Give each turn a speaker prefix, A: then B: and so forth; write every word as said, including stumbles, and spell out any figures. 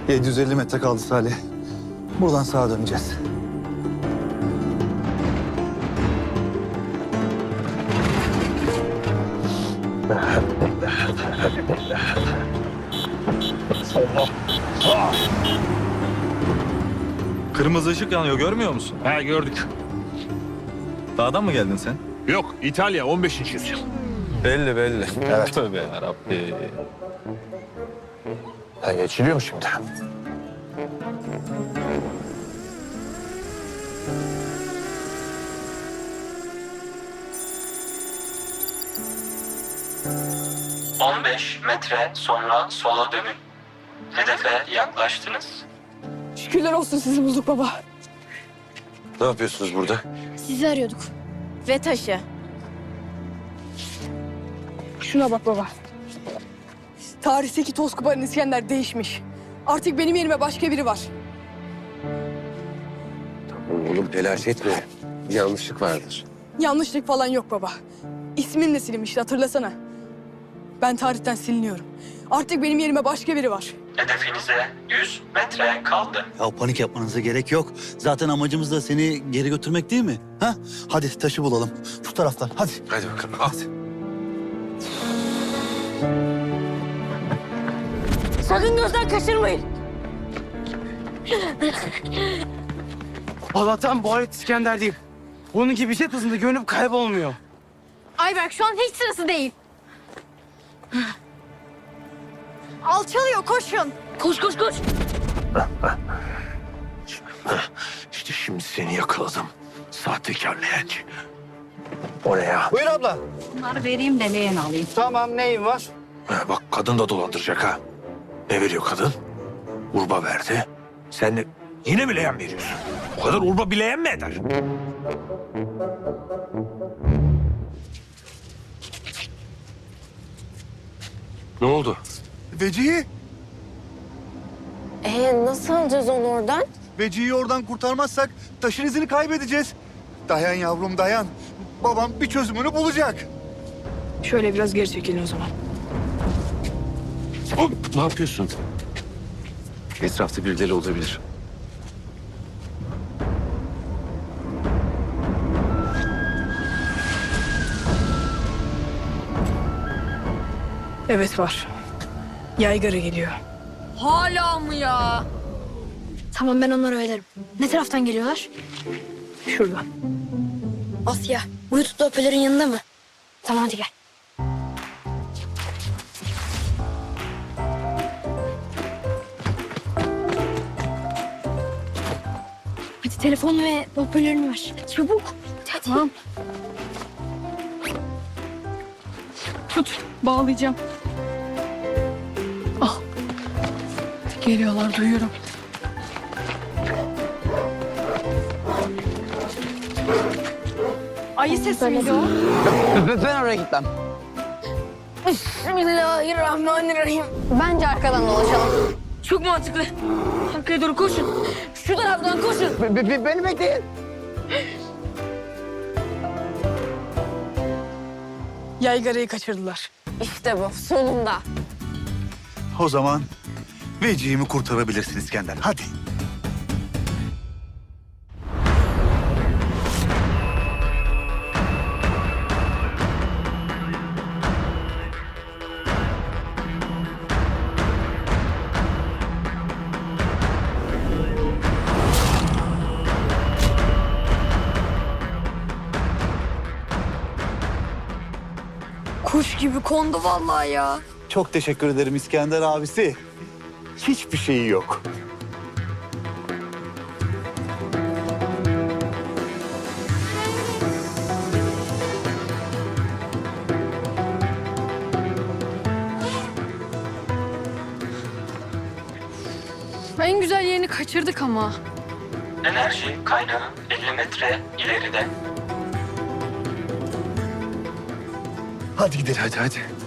A: yedi yüz elli metre kaldı Salih. Buradan sağa döneceğiz.
B: Kırmızı ışık yanıyor, görmüyor musun?
C: He gördük.
B: Dağdan mı geldin sen?
C: Yok İtalya on beşinci yüzyıl.
B: Belli belli. Evet. Tövbe yarabbi.
C: Ha, geçiliyor mu şimdi?
D: on beş metre sonra sola dönün. Hedefe yaklaştınız.
E: Şükürler olsun sizi bulduk baba.
C: Ne yapıyorsunuz burada?
F: Sizi arıyorduk. Ve taşı.
E: Şuna bak baba. Tarihteki Tozkuparan İskender değişmiş. Artık benim yerime başka biri var.
G: Oğlum telaş etme. Bir yanlışlık vardır.
E: Yanlışlık falan yok baba. İsmim de silinmişti hatırlasana. Ben tarihten siliniyorum. Artık benim yerime başka biri var.
D: Hedefinize yüz metre kaldı.
A: Ya panik yapmanıza gerek yok. Zaten amacımız da seni geri götürmek değil mi? Ha? Hadi taşı bulalım. Şu taraftan hadi.
G: Hadi bakalım al.
F: Sakın gözden kaçırmayın.
H: Allah'tan bu alet İskender değil. Bunun gibi jet hızında görünüp kaybolmuyor.
F: Ayberk şu an hiç sırası değil. Alçalıyor, koşun. Koş, koş, koş.
C: İşte şimdi seni yakaladım. Sahtekar leğenci. O ne ya?
H: Buyur abla.
I: Bunları vereyim de leğen alayım.
H: Tamam neyin var?
C: Ha, bak kadın da dolandıracak ha. Ne veriyor kadın? Urba verdi. Sen de yine mi leğen veriyorsun? O kadar urba bir leğen mi eder?
G: Ne oldu?
A: Vecihi.
F: Ee, nasıl alacağız onu oradan?
A: Vecihi'yi oradan kurtarmazsak taşın izini kaybedeceğiz. Dayan yavrum dayan. Babam bir çözümünü bulacak.
E: Şöyle biraz geri çekilin o zaman.
G: Ne yapıyorsun? Etrafta birileri olabilir.
E: Evet var. Yaygara geliyor.
F: Hala mı ya? Tamam ben onları öderim. Ne taraftan geliyorlar?
E: Şuradan.
F: Asya, Bluetooth'lu hoparlörün yanında mı? Tamam hadi gel. Hadi telefon ve hoparlörünü ver. Çabuk. Hadi, hadi.
E: Tamam. Tut, bağlayacağım. Al. Geliyorlar, duyuyorum. Ayı sesi miydi o?
H: Ben oraya gitmem.
F: Bismillahirrahmanirrahim. Bence arkadan dolaşalım. Çok mantıklı. Arkaya doğru koşun. Şu taraftan koşun.
H: Be- be- beni bekleyin.
E: Yaygarayı kaçırdılar.
F: İşte bu sonunda.
A: O zaman Vecihi'mi kurtarabilirsin İskender. Hadi.
F: Kuş gibi kondu vallahi ya.
A: Çok teşekkür ederim İskender abisi. Hiçbir şeyi yok.
E: En güzel yerini kaçırdık ama.
D: Enerji kaynağı elli metre ileride.
A: Hadi gidelim.
G: Hadi hadi.